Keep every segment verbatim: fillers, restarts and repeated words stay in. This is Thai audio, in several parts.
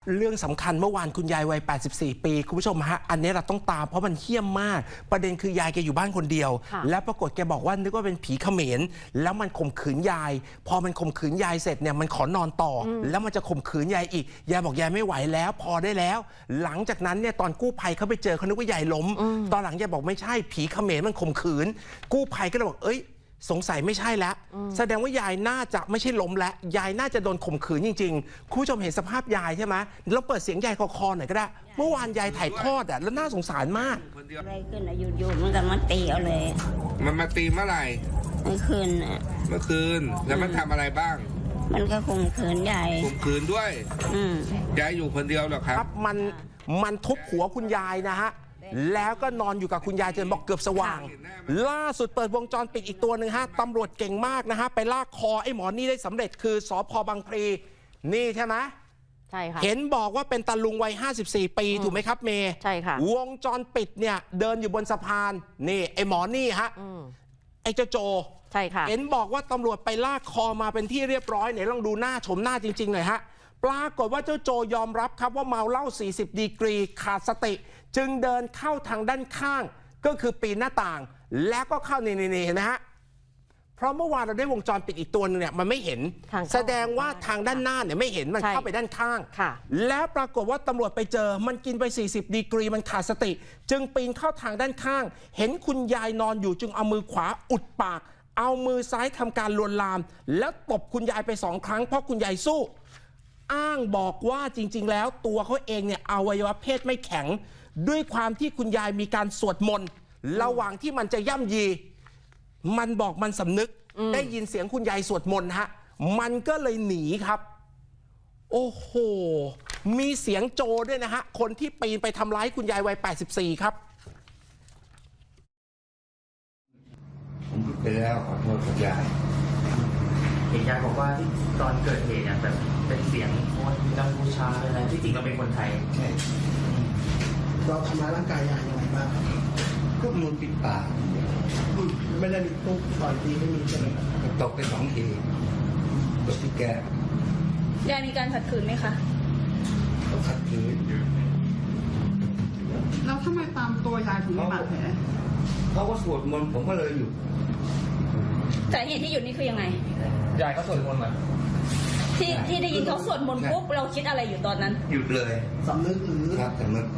เรื่องสำคัญเมื่อวานคุณยายวัยแปดสิบสี่ปีคุณผู้ชมฮะอันนี้เราต้องตามเพราะมันเหี้ยมมากประเด็นคือยายแกอยู่บ้านคนเดียวแล้วปรากฏแกบอกว่านึกว่าเป็นผีเขมรแล้วมันข่มขืนยายพอมันข่มขืนยายเสร็จเนี่ยมันขอนอนต่อแล้วมันจะข่มขืนยายอีกยายบอกยายไม่ไหวแล้วพอได้แล้วหลังจากนั้นเนี่ยตอนกู้ภัยเขาไปเจอเขานึกว่ายายล้มตอนหลังยายบอกไม่ใช่ผีเขมรมันข่มขืนกู้ภัยก็เลยบอกเอ้ยสงสัยไม่ใช่แล้วแสดงว่ายายน่าจะไม่ใช่ล้มแล้วยายน่าจะโดนข่มขืนจริงๆคุณผู้ชมเห็นสภาพยายใช่ไหมเราเปิดเสียงยายคอๆหน่อยก็ได้เมื่อวานยายถ่ายทอดอ่ะแล้วน่าสงสารมากอะไรขึ้นอะอยู่ๆมันก็มาตีเอาเลยมันมาตีเมื่อไหร่เมื่อคืนอ่ะเมื่อคืนแล้วมันทำอะไรบ้างมันก็ข่มขืนยายข่มขืนด้วยอืมยายอยู่คนเดียวเหรอครับมันมันทุบหัวคุณยายนะฮะแล้วก็นอนอยู่กับคุณยายจนบอกเกือบสว่างล่าสุดเปิดวงจรปิดอีกตัวหนึ่งฮะตำรวจเก่งมากนะฮะไปลากคอไอ้หมอนี่ได้สำเร็จคือสภ.บางพลีนี่ใช่ไหมใช่ค่ะเห็นบอกว่าเป็นตาลุงวัยห้าสิบสี่ปีถูกไหมครับเมย์ใช่ค่ะวงจรปิดเนี่ยเดินอยู่บนสะพานนี่ไอ้หมอนี่ฮะไอ้เจ้าโจใช่ค่ะเห็นบอกว่าตำรวจไปลากคอมาเป็นที่เรียบร้อยไหนลองดูหน้าชมหน้าจริงๆหน่อยฮะปรากฏว่าเจ้าโจยอมรับครับว่าเมาเหล้าสี่สิบดีกรีขาดสติจึงเดินเข้าทางด้านข้างก็คือปีนหน้าต่างแล้วก็เข้านี่นี่เห็นไหมฮะเพราะเมื่อวานเราได้วงจรปิดอีกตัวนึงเนี่ยมันไม่เห็นแสดงว่าทางด้านหน้าเนี่ยไม่เห็นมันเข้าไปด้านข้างแล้วปรากฏว่าตำรวจไปเจอมันกินไปสี่สิบดีกรีมันขาดสติจึงปีนเข้าทางด้านข้างเห็นคุณยายนอนอยู่จึงเอามือขวาอุดปากเอามือซ้ายทำการลวนลามแล้วตบคุณยายไปสองครั้งเพราะคุณยายสู้อ้างบอกว่าจริงๆแล้วตัวเขาเองเนี่ยอวัยวะเพศไม่แข็งด้วยความที่คุณยายมีการสวดมนต์ระหว่างที่มันจะย่ำยีมันบอกมันสำนึกได้ยินเสียงคุณยายสวดมนต์ฮะมันก็เลยหนีครับโอ้โหมีเสียงโจด้วยนะฮะคนที่ปีนไปทำร้ายคุณยายวัยแปดสิบสี่ครับผมพูดไปแล้วขอโทษคุณยายเห็นยายบอกว่าที่ตอนเกิดเหตุเนี่ยแบบเป็นเสียงคนกัมพูชาอะไรที่จริงเราเป็นคนไทยใช่เราทำร้ายร่างกายยายยังไงบ้างก็มือปิดปากไม่ได้มีตุ๊กต่อยตีไม่มีใช่ไหมตกไปสองทีตกที่แก้ยายมีการขัดขืนไหมคะก็ขัดขืนแล้วทำไมตามตัวยายถึงมีบาดแผลเขาก็สวดมนต์ผมก็เลยหยุดแต่เหตุที่หยุดนี่คือยังไงยายเขาสวดมนต์มาที่ที่ได้ยินเขาสวดมนต์ปุ๊บเราคิดอะไรอยู่ตอนนั้นหยุดเลยสำนึกหรือครับสำนึก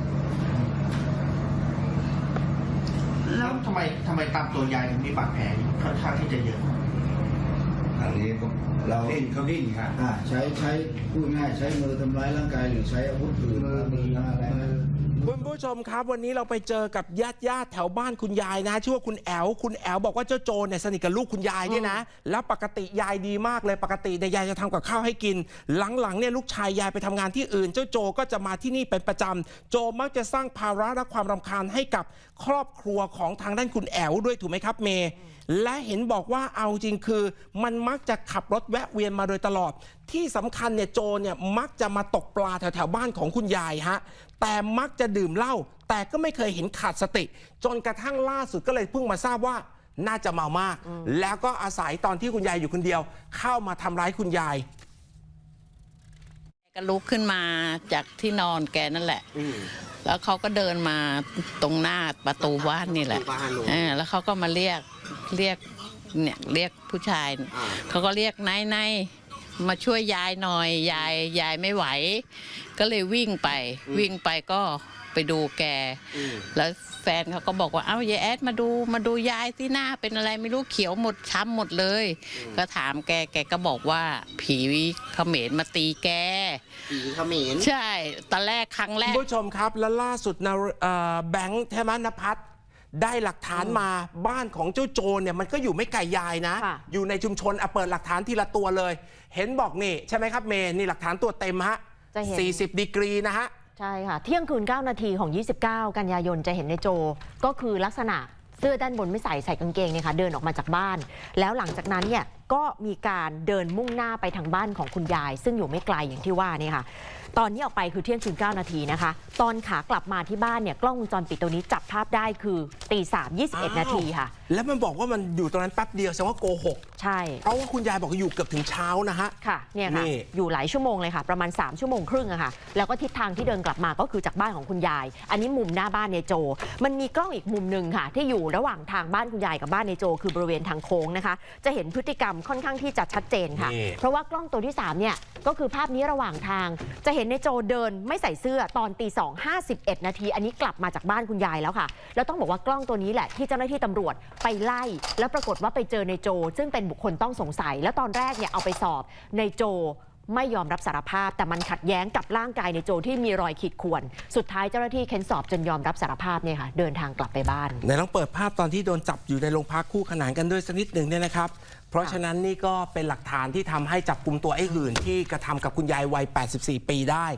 แล้วทำไมทำไมตามตัวยายถึงมีบาดแผลค่อนข้างที่จะเยอะทางนี้ก็เราดิ้นเขาดิ้นครับอ่าใช้ใช้พูดง่ายใช้มือทำร้ายร่างกายหรือใช้อาวุธอื่นมืออะไรคุณผู้ชมครับวันนี้เราไปเจอกับญาติญาติแถวบ้านคุณยายนะชื่อว่าคุณแอลคุณแอลบอกว่าเจ้าโจเนี่ยสนิทกับลูกคุณยายเนี่ยนะแล้วปกติยายดีมากเลยปกติเนี่ยยายจะทำกับข้าวให้กินหลังๆเนี่ยลูกชายยายไปทำงานที่อื่นเจ้าโจก็จะมาที่นี่เป็นประจำโจมักจะสร้างภาระและความรำคาญให้กับครอบครัวของทางด้านคุณแอลด้วยถูกไหมครับเมย์และเห็นบอกว่าเอาจริงคือมันมักจะขับรถแวะเวียนมาโดยตลอดที่สำคัญเนี่ยโจเนี่ยมักจะมาตกปลาแถวๆบ้านของคุณยายฮะแต่มักจะดื่มเหล้าแต่ก็ไม่เคยเห็นขาดสติจนกระทั่งล่าสุดก็เลยเพิ่งมาทราบว่าน่าจะเมามากแล้วก็อาศัยตอนที่คุณยายอยู่คนเดียวเข้ามาทำร้ายคุณยายก็ลุกขึ้นมาจากที่นอนแกนั่นแหละแล้วเขาก็เดินมาตรงหน้าประตูบ้านนี่แหละแล้วเขาก็มาเรียกเรียกเนี่ยเรียกผู้ชายเขาก็เรียกนายนายมาช่วยยายหน่อยยายยายไม่ไหวก็เลยวิ่งไปวิ่งไปก็ไปดูแกแล้วแฟนเขาก็บอกว่าเอ้ายายแอดมาดูมาดูยายที่หน้าเป็นอะไรไม่รู้เขียวหมดช้ำหมดเลยก็ถามแกแกก็บอกว่าผีเขมรมาตีแกผีเขมรใช่ตอนแรกครั้งแรกผู้ชมครับแล้วล่าสุดนะแบงค์ใช่ไหมนภัสได้หลักฐานมาบ้านของเจ้าโจรเนี่ยมันก็อยู่ไม่ไกลยายนะอยู่ในชุมชนเอาเปิดหลักฐานทีละตัวเลยเห็นบอกนี่ใช่ไหมครับเมย์นี่หลักฐานตัวเต็มฮะสี่สิบดีกรีนะฮะใช่ค่ะเที่ยงคืนเก้านาทีของยี่สิบเก้ากันยายนจะเห็นในโจก็คือลักษณะเสื้อด้านบนไม่ใส่ใส่กางเกงเนี่ยค่ะเดินออกมาจากบ้านแล้วหลังจากนั้นเนี่ยก็มีการเดินมุ่งหน้าไปทางบ้านของคุณยายซึ่งอยู่ไม่ไกลอย่างที่ว่านี่ค่ะตอนนี้ออกไปคือเที่ยงคืนเก้านาทีนะคะตอนขากลับมาที่บ้านเนี่ยกล้องวงจรปิดตัวนี้จับภาพได้คือตีสามยี่สิบเอ็ดนาทีค่ะแล้วมันบอกว่ามันอยู่ตรงนั้นแป๊บเดียวแสดงว่าโกหกใช่เพราะว่าคุณยายบอกว่าอยู่เกือบถึงเช้านะฮะค่ะเนี่ยค่ะนี่อยู่หลายชั่วโมงเลยค่ะประมาณสามชั่วโมงครึ่งอะค่ะแล้วก็ทิศทางที่เดินกลับมาก็คือจากบ้านของคุณยาย อันนี้มุมหน้าบ้านในโจมันมีกล้องอีกมุมหนึ่งค่ะที่อยู่ระหว่างทางบ้านคุณยายกับบ้านในโจคือบริเวณทางโค้งนะคะจะเห็นพฤติกรรมค่อนข้างที่จะชัดเจนค่ะนี่เพราะว่ากล้องตัวที่สามเนี่ยก็คือภาพนี้ระหว่างทาง จะเห็นในโจเดินไม่ใส่เสื้อตอนตีสองห้าสิบเอ็ดนาทีอันนี้กลับมาจากบ้านคุณยายแล้วค่ะแล้วต้องบอกว่ากล้องตัวนี้แหละที่เจ้าหน้าที่ตำรวจไปไล่แล้วปรากฏว่าไปเจอในโจซึ่งเป็นบุคคลต้องสงสัย แล้วตอนแรกเนี่ยเอาไปสอบในโจไม่ยอมรับสารภาพแต่มันขัดแย้งกับร่างกายในโจที่มีรอยขีดข่วนสุดท้ายเจ้าหน้าที่เค้นสอบจนยอมรับสารภาพเนี่ยค่ะเดินทางกลับไปบ้านไหนลองเปิดภาพตอนที่โดนจับอยู่ในโรงพักคู่ขนานกันด้วยสักนิดหนึ่งเนี่ยนะครับ เพราะฉะนั้นนี่ก็เป็นหลักฐานที่ทำให้จับกลุ่มตัวไอ้หื่นที่กระทำกับคุณยายวัย แปดสิบสี่ ปีได้